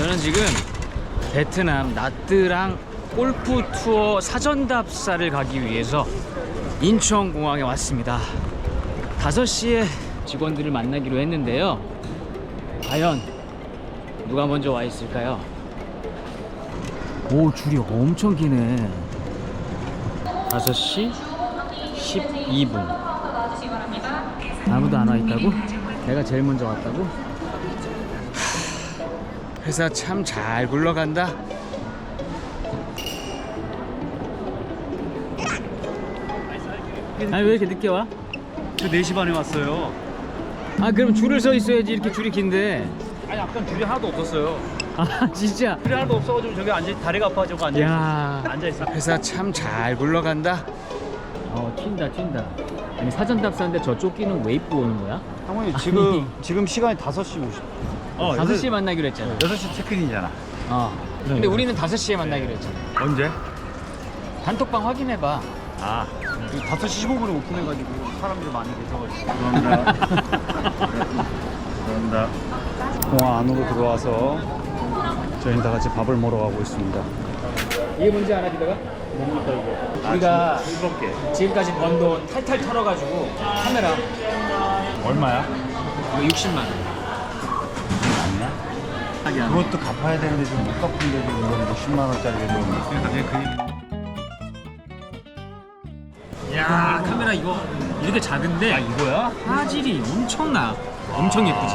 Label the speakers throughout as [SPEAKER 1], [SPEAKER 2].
[SPEAKER 1] 저는 지금 베트남 나트랑 골프 투어 사전 답사를 가기 위해서 인천공항에 왔습니다. 5시에 직원들을 만나기로 했는데요. 과연 누가 먼저 와 있을까요? 오, 줄이 엄청 기네. 5시 12분. 아무도 안 와 있다고? 내가 제일 먼저 왔다고? 회사 참 잘 굴러간다. 아니 왜 이렇게 늦게 와?
[SPEAKER 2] 저 4시 반에 왔어요.
[SPEAKER 1] 아 그럼 줄을 서 있어야지. 이렇게 줄이 긴데.
[SPEAKER 2] 아니 아까 줄이 하나도 없었어요.
[SPEAKER 1] 아 진짜?
[SPEAKER 2] 줄이 하나도 없어가지고 저기 다리가 아파가지고 앉아있어.
[SPEAKER 1] 야,
[SPEAKER 2] 앉아있어.
[SPEAKER 1] 회사 참 잘 굴러간다. 튄다. 아니 사전 답사인데 저쪽 끼는 왜 입고 오는 거야?
[SPEAKER 2] 상훈이 지금 시간이 5시 50분.
[SPEAKER 1] 5시에 만나기로 했잖아.
[SPEAKER 2] 6시 체크인이잖아.
[SPEAKER 1] 근데 우리는 5시에 만나기로 했잖아.
[SPEAKER 2] 언제?
[SPEAKER 1] 단톡방 확인해봐.
[SPEAKER 2] 아 5시 15분에 오픈해가지고 사람들 많이 계셔가지고. 죄송합니다. 공항 안으로 들어와서 저희는 다 같이 밥을 먹으러 가고 있습니다.
[SPEAKER 1] 이게 뭔지 알아, 기다가?
[SPEAKER 2] 뭡니까 이게?
[SPEAKER 1] 우리가
[SPEAKER 2] 즐겁게.
[SPEAKER 1] 지금까지 번 돈 탈탈 털어가지고 카메라
[SPEAKER 2] 얼마야?
[SPEAKER 1] 이거 60만 원.
[SPEAKER 2] 아니야? 그것도 갚아야 되는데 지금 못 갚은데 지금 이건 60만 원짜리를 좀.
[SPEAKER 1] 야, 카메라 이거 이렇게 작은데
[SPEAKER 2] 아 이거야?
[SPEAKER 1] 화질이 엄청나. 엄청 예쁘지?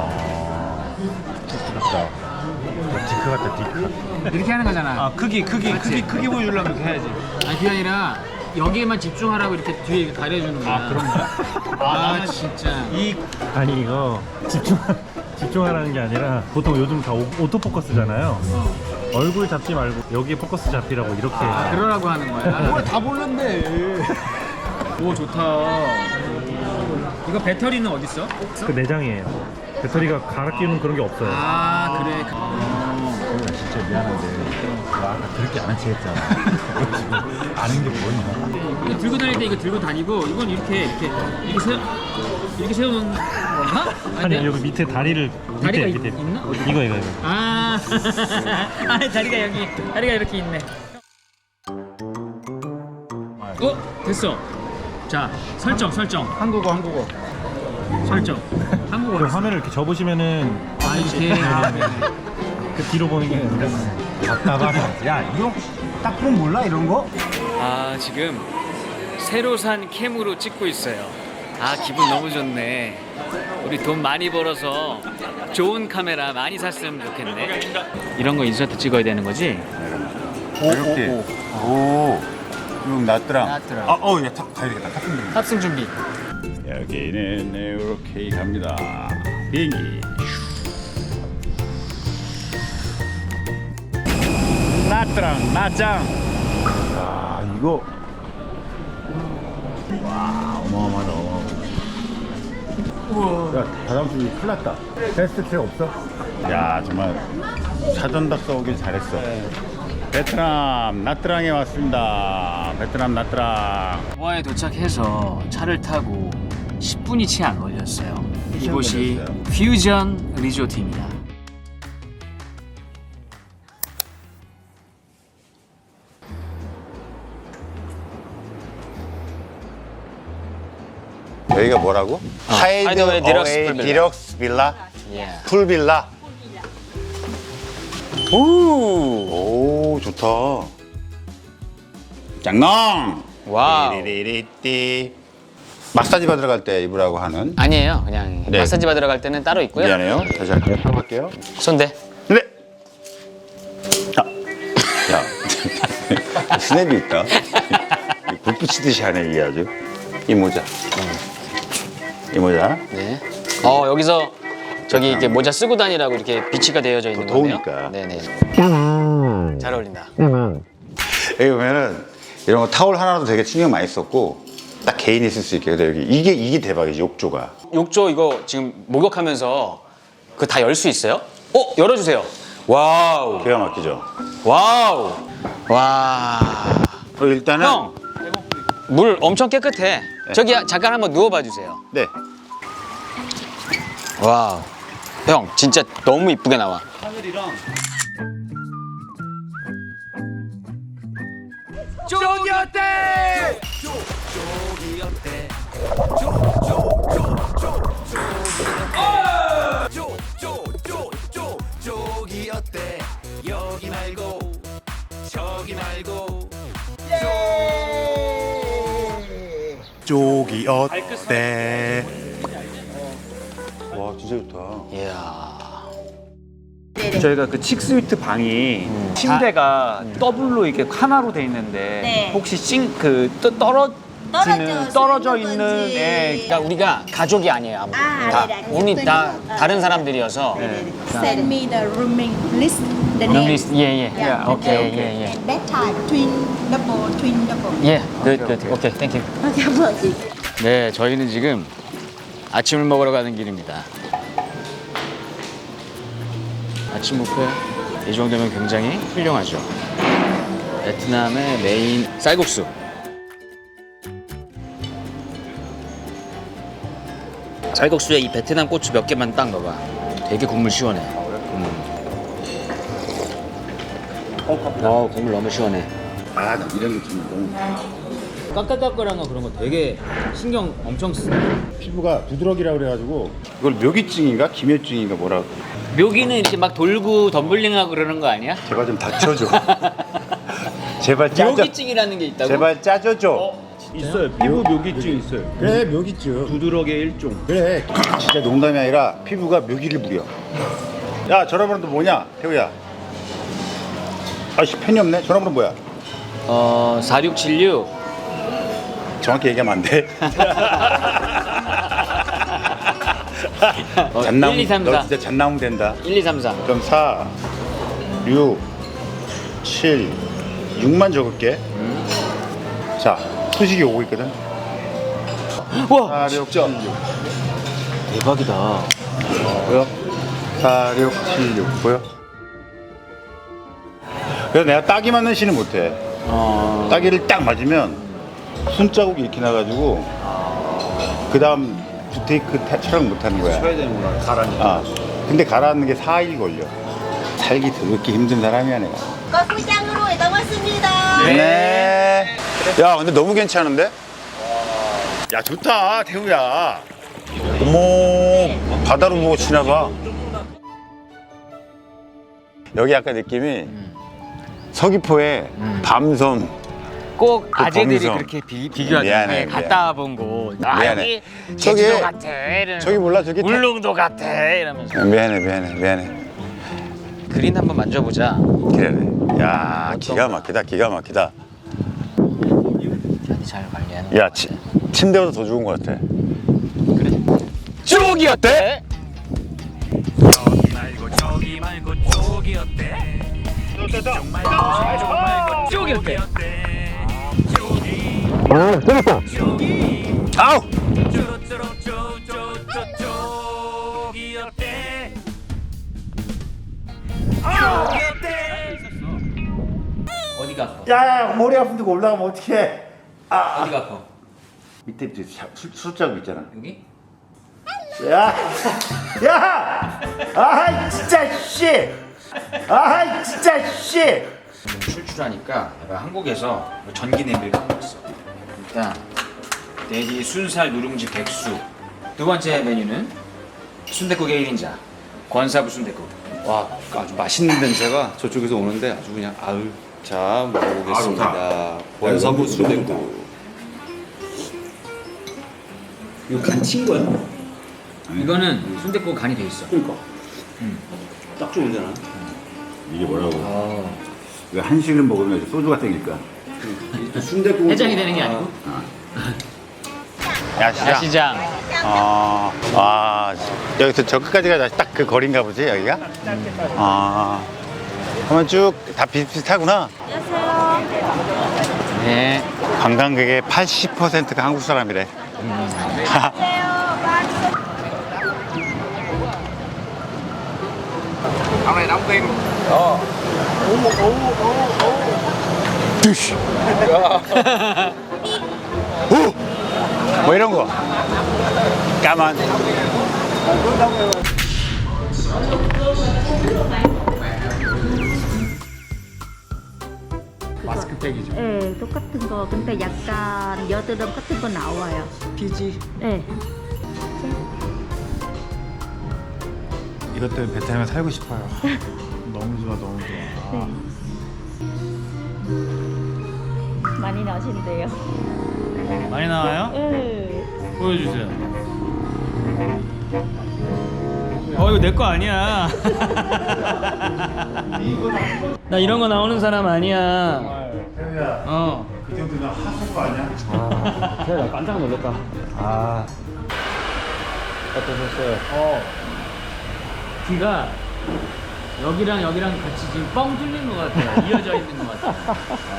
[SPEAKER 2] 부럽다. 디크 같다 디크.
[SPEAKER 1] 이렇게 하는 거잖아.
[SPEAKER 2] 아 크기
[SPEAKER 1] 맞지?
[SPEAKER 2] 크기 보여주려면 이렇게 해야지.
[SPEAKER 1] 아니 그게 아니라 여기에만 집중하라고 이렇게 뒤에 이렇게 가려주는 거야.
[SPEAKER 2] 아 그런가?
[SPEAKER 1] 아 진짜.
[SPEAKER 3] 아니 이거 집중하라는 게 아니라 보통 요즘 다 오토포커스잖아요. 얼굴 잡지 말고 여기에 포커스 잡히라고 이렇게.
[SPEAKER 1] 아, 그러라고 하는 거야.
[SPEAKER 2] 다 볼랜데.
[SPEAKER 1] 오, 좋다. 이거 배터리는 어디 있어?
[SPEAKER 3] 그 내장이에요. 배터리가 갈아 끼우는 그런 게 없어요.
[SPEAKER 1] 아, 그래.
[SPEAKER 2] 나 진짜 미안한데 나 아까 그렇게 안 한지 했잖아. 지금 아는 게 뭐냐?
[SPEAKER 1] 이거 들고 다닐 때 이거 들고 다니고 이건 이렇게 세워놓는 건가?
[SPEAKER 3] 아니 여기 밑에 다리를
[SPEAKER 1] 다리가
[SPEAKER 3] 밑에
[SPEAKER 1] 있나? 어디?
[SPEAKER 3] 이거.
[SPEAKER 1] 아, 아 다리가 이렇게 있네. 됐어. 자, 설정.
[SPEAKER 2] 한국어.
[SPEAKER 1] 설정. 한국어로.
[SPEAKER 3] 그 화면을 이렇게 접으시면은
[SPEAKER 1] 아, 이렇게.
[SPEAKER 3] 그 뒤로 보는 게
[SPEAKER 2] 답답하다. 야 이거 딱 보면 몰라 이런 거?
[SPEAKER 1] 아, 지금 새로 산 캠으로 찍고 있어요. 아, 기분 너무 좋네. 우리 돈 많이 벌어서 좋은 카메라 많이 샀으면 좋겠네. 이런 거 인서트 찍어야 되는 거지?
[SPEAKER 2] 이렇게. 오. 그럼 낫더랑.
[SPEAKER 1] 낫더랑.
[SPEAKER 2] 야, 가야 되겠다. 탑승.
[SPEAKER 1] 탑승 준비.
[SPEAKER 2] 여기는 이렇게 갑니다. 비행기. 낫더랑 낫짱. 아 이거. 와 어마어마하다. 야 다다음 주 큰일 났다. 베스트 트랙 없어? 야 정말 사전 답사 오길 잘했어. 베트남 나트랑에 왔습니다. 베트남 나트랑.
[SPEAKER 1] 공항에 도착해서 차를 타고 10분이 채 안 걸렸어요. 이곳이
[SPEAKER 2] 걸렸어요.
[SPEAKER 1] 퓨전 리조트입니다.
[SPEAKER 4] 여기가 뭐라고?
[SPEAKER 1] 하이드웨이 디럭스 풀빌라.
[SPEAKER 4] 디럭스 빌라?
[SPEAKER 1] 예.
[SPEAKER 4] 풀빌라? 오 좋다. 짱농!
[SPEAKER 1] 와우.
[SPEAKER 4] 띠리리리띠. 마사지 받으러 갈 때 입으라고 하는.
[SPEAKER 1] 아니에요. 그냥
[SPEAKER 4] 네.
[SPEAKER 1] 마사지 받으러 갈 때는 따로 있고요.
[SPEAKER 4] 미안해요. 다시 할게요. 해볼게요.
[SPEAKER 1] 손대.
[SPEAKER 4] 네. 야, 스냅이 있다. 불 붙이듯이 하네 이게 아주. 이 모자. 이 모자.
[SPEAKER 1] 네. 여기서 저기 이렇게 모자 쓰고 다니라고 이렇게 비치가 되어져 있는 건데요.
[SPEAKER 4] 더우니까.
[SPEAKER 1] 네네. 잘 어울린다.
[SPEAKER 4] 여기 보면은 이런 거 타올 하나도 되게 신경 많이 썼고 딱 개인이 쓸 수 있게. 근데 여기 이게 대박이지. 욕조가.
[SPEAKER 1] 욕조 이거 지금 목욕하면서 그 다 열 수 있어요? 열어주세요. 와우.
[SPEAKER 4] 기가 막히죠.
[SPEAKER 1] 와우. 와.
[SPEAKER 4] 일단은
[SPEAKER 1] 형. 물 엄청 깨끗해. 저기 잠깐 한번 누워봐 주세요.
[SPEAKER 4] 네.
[SPEAKER 1] 와우. 형 진짜 너무 이쁘게 나와.
[SPEAKER 5] 하늘이랑
[SPEAKER 1] 쪽이 어때?
[SPEAKER 5] 쪽이 어때? 여기 말고 저기 말고
[SPEAKER 2] 쪽이 어때? 와 진짜 좋다.
[SPEAKER 1] 이야.
[SPEAKER 6] 저희가 그 칙스위트 방이 침대가 더블로 이렇게 하나로 돼 있는데
[SPEAKER 7] 네.
[SPEAKER 6] 혹시 떨어져 있는 예,
[SPEAKER 1] 그러니까 우리가 가족이 아니에요. 아무도.
[SPEAKER 7] 아,
[SPEAKER 1] 다,
[SPEAKER 7] 네, 네.
[SPEAKER 1] 우리 다 다른 사람들이어서.
[SPEAKER 7] Send me the rooming list, the
[SPEAKER 1] 룸
[SPEAKER 7] name.
[SPEAKER 1] 리스트 예예.
[SPEAKER 7] Yeah,
[SPEAKER 1] 오케이
[SPEAKER 7] okay.
[SPEAKER 1] 오케이 예.
[SPEAKER 7] And bedtime, twin double.
[SPEAKER 1] 예. 굿. 오케이. 땡큐.
[SPEAKER 7] Cảm ơn chị.
[SPEAKER 1] 네, 저희는 지금 아침을 먹으러 가는 길입니다. 아침 뷔페 이 정도면 굉장히 훌륭하죠. 베트남의 메인 쌀국수. 쌀국수에 이 베트남 고추 몇 개만 딱 넣어봐. 되게 국물 시원해. 국물 너무 시원해.
[SPEAKER 2] 아 이런 게 좀 너무
[SPEAKER 1] 까까까까한 거 그런 거 되게 신경 엄청 쓰.
[SPEAKER 2] 피부가 부드러기라 그래가지고 이걸 묘기증인가 기묘증인가 뭐라고.
[SPEAKER 1] 묘기는 이렇게 막 돌고 덤블링하고 그러는 거 아니야?
[SPEAKER 2] 제발 좀 다쳐줘. 제발 짜줘.
[SPEAKER 1] 묘기증이라는 게 있다고?
[SPEAKER 2] 제발 짜줘줘.
[SPEAKER 3] 있어요. 피부 묘기증 있어요.
[SPEAKER 2] 그래 묘기증.
[SPEAKER 3] 두드러기의 일종.
[SPEAKER 2] 그래 진짜 농담이 아니라 피부가 묘기를 부려. 야 전화번호도 뭐냐 태우야. 아씨 펜이 없네. 전화번호 뭐야?
[SPEAKER 1] 4676.
[SPEAKER 2] 정확히 얘기하면 안 돼. 잣나무
[SPEAKER 1] 1, 2, 3, 4.
[SPEAKER 2] 너 진짜 잣나무 된다.
[SPEAKER 1] 1, 2, 3, 4.
[SPEAKER 2] 그럼 4 6 7 6만 적을게. 자 소식이 오고 있거든.
[SPEAKER 1] 와,
[SPEAKER 2] 4 6 7 6
[SPEAKER 1] 대박이다.
[SPEAKER 2] 보여? 4 6 7 6 보여? 그래서 내가 따기 맞는 시는 못해. 따기를 딱 맞으면 손자국이 이렇게 나가지고 그 다음 부테이크 촬영 못하는 거야.
[SPEAKER 3] 쳐야 되는구나. 가라니까.
[SPEAKER 2] 아, 근데 가라앉는 게 4일 걸려. 살기 더럽게 힘든 사람이야 내가.
[SPEAKER 7] 거꾸장으로 이동 왔습니다.
[SPEAKER 2] 네. 야 근데 너무 괜찮은데? 야 좋다 태우야. 어머 바다로 보고 지나가. 여기 약간 느낌이 서귀포의 밤섬.
[SPEAKER 1] 꼭
[SPEAKER 2] 그
[SPEAKER 1] 아재들이
[SPEAKER 2] 범위성.
[SPEAKER 1] 그렇게 비교하잖아.
[SPEAKER 2] 미안해,
[SPEAKER 1] 갔다 본 곳. 아,
[SPEAKER 2] 미안해.
[SPEAKER 1] 여기
[SPEAKER 2] 저기,
[SPEAKER 1] 제주도 같아. 이러면서.
[SPEAKER 2] 저기 몰라 저기
[SPEAKER 1] 울릉도 같아. 이러면서.
[SPEAKER 2] 미안해.
[SPEAKER 1] 그린 한번 만져보자.
[SPEAKER 2] 그래. 야 기가 막히다 기가 막히다.
[SPEAKER 1] 잘 관리하는
[SPEAKER 2] 야 침대보다 더 좋은 것 같아.
[SPEAKER 1] 쪽이 어때?
[SPEAKER 5] 저기 말고 저기 말고 쪽이 어때? 이쪽 말고 저쪽 말고
[SPEAKER 1] 쪽이 어때?
[SPEAKER 5] 쪽이
[SPEAKER 2] 아우.
[SPEAKER 5] 쪽이 어때? 쪽이 어때?
[SPEAKER 1] 어디가 아파?
[SPEAKER 2] 야 머리 아픈데 올라가면 어떡해.
[SPEAKER 1] 어디가 아파?
[SPEAKER 2] 밑에 술자국 있잖아.
[SPEAKER 1] 여기?
[SPEAKER 2] 야! 아 진짜 씨! 아 진짜 씨!
[SPEAKER 1] 출출하니까 내가 한국에서 전기 냄비를 갖고 왔어. 일단 대리 순살 누룽지 백수. 두 번째 메뉴는 순댓국의 1인자 권사부 순댓국.
[SPEAKER 8] 와 아주 맛있는 냄새가 저쪽에서 오는데 아주 그냥 아유 자 먹어보겠습니다. 원서부 순댓국.
[SPEAKER 1] 이거 간 친 거야? 이거는 순댓국 간이 돼 있어.
[SPEAKER 8] 그러니까 딱 좋은데나.
[SPEAKER 2] 이게 뭐라고? 이거 한식을 먹으면 소주가 땡길까?
[SPEAKER 8] 순댓국
[SPEAKER 1] 해장이 되는 게 아니고.
[SPEAKER 2] 야시장.
[SPEAKER 1] 야시장.
[SPEAKER 2] 여기서 저 끝까지가 딱 그 거리인가 보지 여기가? 한번 쭉 다 비슷비슷하구나.
[SPEAKER 1] 네.
[SPEAKER 2] 관광객의 80%가 한국 사람이래. 드시. 뭐 이런 거. 까만.
[SPEAKER 9] 거 근데 약간 여드름 같은 거 나와요.
[SPEAKER 6] 피지.
[SPEAKER 9] 네.
[SPEAKER 2] 이것 때문에 베트남에 살고 싶어요. 너무 좋아, 너무 좋아.
[SPEAKER 9] 많이 나신대요.
[SPEAKER 1] 많이 나와요?
[SPEAKER 9] 네.
[SPEAKER 1] 보여주세요. 이거 내 거 아니야. 나 이런 거 나오는 사람 아니야.
[SPEAKER 2] 태우야, 그 정도면 하수구 아니야?
[SPEAKER 1] 나 깜짝 놀랐다.
[SPEAKER 3] 어떠셨어요?
[SPEAKER 1] 귀가 여기랑 같이 지금 뻥 뚫린 것 같아요. 이어져 있는 것 같아요.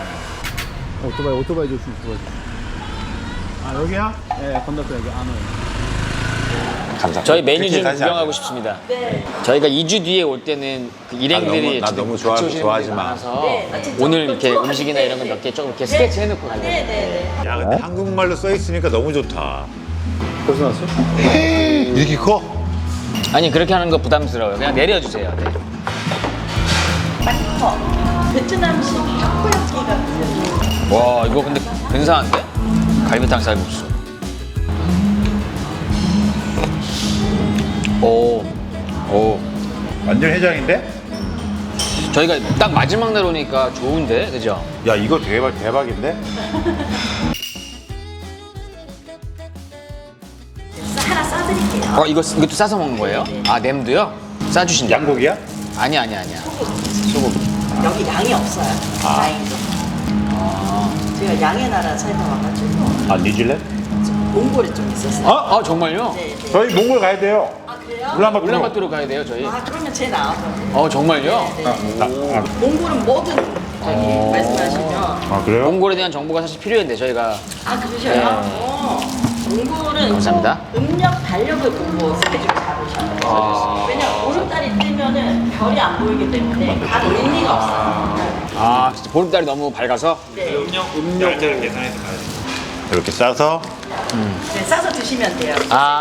[SPEAKER 3] 오토바이 좀 보여줘.
[SPEAKER 2] 아, 여기야?
[SPEAKER 3] 네, 건너서 여기 안 와요.
[SPEAKER 4] 감사합니다.
[SPEAKER 1] 저희 메뉴 좀
[SPEAKER 4] 그렇게 가지
[SPEAKER 1] 구경하고
[SPEAKER 4] 않아요.
[SPEAKER 1] 싶습니다. 저희가 2주 뒤에 올 때는 그 일행들이
[SPEAKER 4] 나
[SPEAKER 1] 지금
[SPEAKER 4] 너무
[SPEAKER 1] 같이
[SPEAKER 4] 좋아-
[SPEAKER 1] 오시는
[SPEAKER 4] 좋아하지
[SPEAKER 1] 분들이
[SPEAKER 4] 마.
[SPEAKER 1] 많아서 오늘 이렇게 음식이나 이런 거 몇 개 조금 이렇게 스케치 해놓고 가려고.
[SPEAKER 2] 야, 근데 한국말로 써 있으니까 너무 좋다.
[SPEAKER 3] 벌써 나왔어요?
[SPEAKER 2] 이렇게 커?
[SPEAKER 1] 아니 그렇게 하는 거 부담스러워요. 그냥 내려주세요. 네.
[SPEAKER 7] 베트남식 타코야끼 같은.
[SPEAKER 1] 와 이거 근데 근사한데? 갈비탕 쌀국수. 오.
[SPEAKER 2] 완전 해장인데?
[SPEAKER 1] 저희가 딱 마지막 날 오니까 좋은데, 그죠?
[SPEAKER 2] 야, 이거 대박인데?
[SPEAKER 7] 하나 싸드릴게요.
[SPEAKER 1] 이것도 싸서 먹는 거예요? 아, 냄도요? 싸주신다.
[SPEAKER 2] 양고기야?
[SPEAKER 1] 아니야. 소고기.
[SPEAKER 10] 여기 양이 없어요. 다행히도. 제가 양의 나라 살다 와가지고
[SPEAKER 2] 아, 뉴질랜드?
[SPEAKER 10] 몽골에 좀 있었어요.
[SPEAKER 1] 정말요?
[SPEAKER 10] 네, 네.
[SPEAKER 2] 저희 몽골 가야 돼요.
[SPEAKER 10] 아 그래요?
[SPEAKER 1] 울란바토르 가야 돼요, 저희.
[SPEAKER 10] 아 그러면 제 나와서.
[SPEAKER 1] 정말요?
[SPEAKER 10] 네. 몽골은 뭐든 저기 말씀하시면.
[SPEAKER 2] 아, 그래요?
[SPEAKER 1] 몽골에 대한 정보가 사실 필요했는데, 저희가.
[SPEAKER 10] 아 그러셔요? 몽골은
[SPEAKER 1] 감사합니다.
[SPEAKER 10] 꼭 음력 달력을 보고 스케줄 잡으셔요. 왜냐면 오름달이 뜨면은 별이 안 보이기 때문에 가도 의미가 없어요.
[SPEAKER 1] 진짜 보름달이 너무 밝아서?
[SPEAKER 10] 네.
[SPEAKER 2] 이렇게 싸서
[SPEAKER 10] 네, 싸서 드시면 돼요.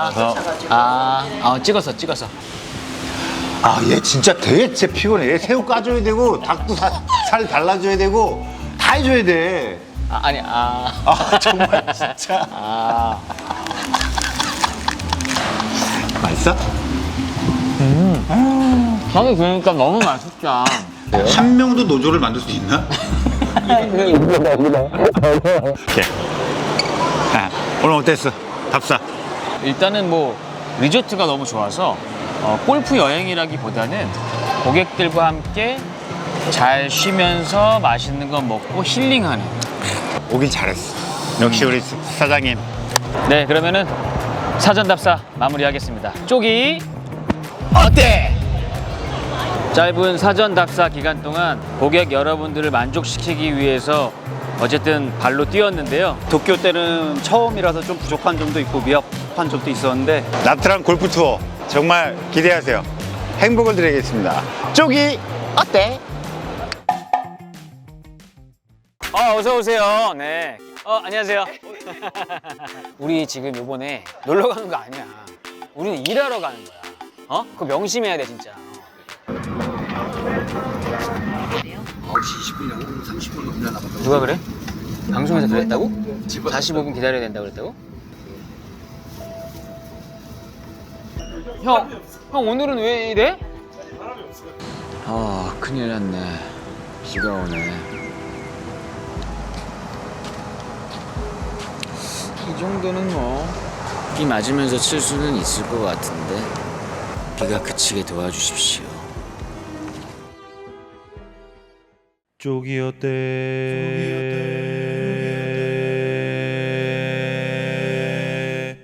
[SPEAKER 1] 찍어서.
[SPEAKER 2] 아, 얘 진짜 되게 진짜 피곤해. 얘 새우 까줘야 되고 닭도 살 달라줘야 되고 다 해줘야 돼.
[SPEAKER 1] 아,
[SPEAKER 2] 정말 진짜. 맛있어?
[SPEAKER 1] 형이 그러니까 너무 맛있다.
[SPEAKER 2] 한 명도 노조를 만들 수 있나? 오케이. 오늘 어땠어? 답사.
[SPEAKER 1] 일단은 뭐 리조트가 너무 좋아서 골프 여행이라기보다는 고객들과 함께 잘 쉬면서 맛있는 거 먹고 힐링하는.
[SPEAKER 2] 오길 잘했어. 역시 우리 사장님.
[SPEAKER 1] 네, 그러면은 사전 답사 마무리하겠습니다. 쪽이 어때? 짧은 사전 답사 기간 동안 고객 여러분들을 만족시키기 위해서 어쨌든 발로 뛰었는데요.
[SPEAKER 6] 도쿄 때는 처음이라서 좀 부족한 점도 있고 미흡한 점도 있었는데
[SPEAKER 2] 나트랑 골프 투어 정말 기대하세요. 행복을 드리겠습니다. 쪽이 어때?
[SPEAKER 1] 어서 오세요. 네. 안녕하세요. 우리 지금 요번에 놀러 가는 거 아니야. 우리는 일하러 가는 거야. 그거 명심해야 돼, 진짜.
[SPEAKER 8] 9시 20분이라고 30분도 기다려나 봤다.
[SPEAKER 1] 누가 그래? 방송에서 그랬다고? 45분 기다려야 된다고 그랬다고? 형 오늘은 왜 이래? 큰일 났네. 비가 오네. 이 정도는 뭐 비 맞으면서 칠 수는 있을 것 같은데 비가 그치게 도와주십시오.
[SPEAKER 3] 쪽이 어때?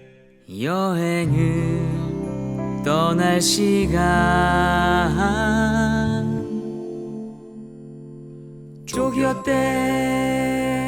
[SPEAKER 1] 여행을 떠날 시간 쪽이 어때?